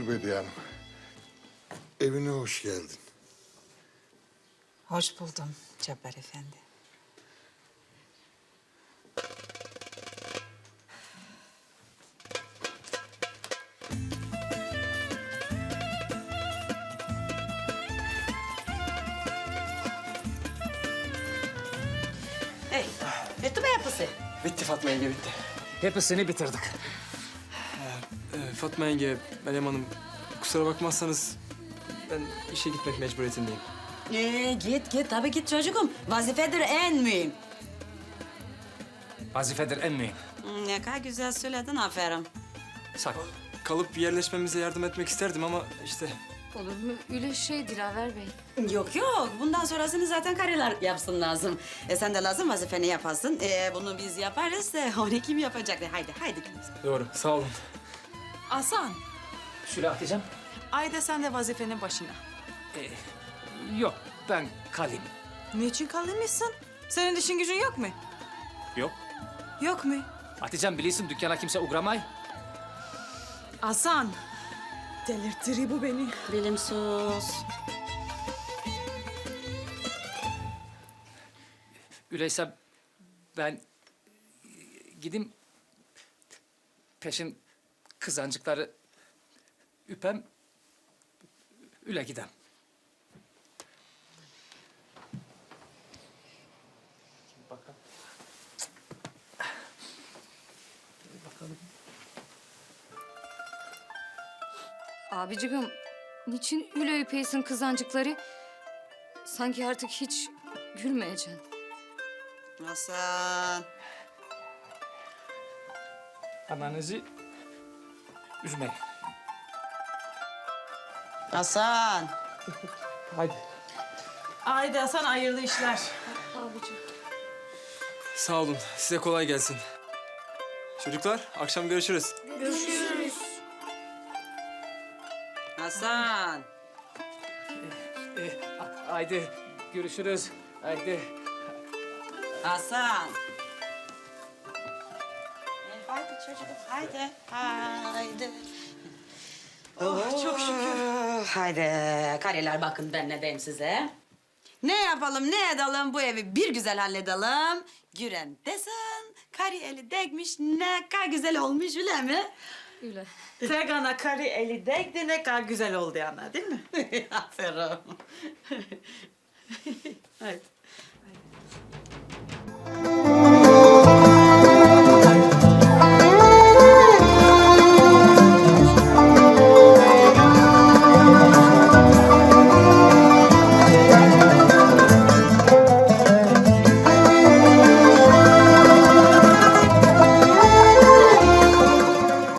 Bediye Hanım. Evine hoş geldin. Hoş buldum Cabbar Efendi. Hey, bitti mi yapısı? Bitti Fatma yenge, bitti. Hepsini bitirdik. Fatma yenge, Meryem Hanım, kusura bakmazsanız ben işe gitmek mecburiyetindeyim. Git tabii git çocuğum. Vazifedir en mühim. Vazifedir en mühim. Ne kadar güzel söyledin, aferin. Sağ ol. Kalıp yerleşmemize yardım etmek isterdim ama işte... Olur mu? Öyle şey Dilaver Bey. Yok, bundan sonrasını zaten karılar yapsın lazım. Sen de lazım vazifeni yapasın. Bunu biz yaparız, onu kim yapacak? Haydi. Doğru, sağ olun. Hasan, Şöyle Hatice'm. Ayda sen de vazifenin başına. Yok, ben kalayım. Niçin kalmışsın? Senin işin gücün yok mu? Yok. Yok mu? Hatice'm biliyorsun dükkana kimse uğramay. Hasan, delirtir bu beni. Bilimsiz. Öyleyse ben gideyim peşin kızancıkları üpem, üle gidem. Bakalım. Bakalım. Abicigim, niçin öyle öpeysin kızancıkları? Sanki artık hiç gülmeyeceksin. Hasan. Ananızı üzmeyin. Hasan. Haydi. Haydi Hasan, hayırlı işler. Abicim. Sağ olun, size kolay gelsin. Çocuklar, akşam görüşürüz. Hasan. Haydi görüşürüz. Haydi. Hasan. Haydi çocuğum, haydi. Oh, çok şükür. Haydi karılar, bakın ben ne diyeyim size. Ne yapalım, ne edelim, bu evi bir güzel halledelim. Güren desin, karı eli değmiş, ne kadar güzel olmuş öyle mi? Öyle. Tek ana karı eli değdi, ne kadar güzel oldu ana, değil mi? Aferin. Haydi.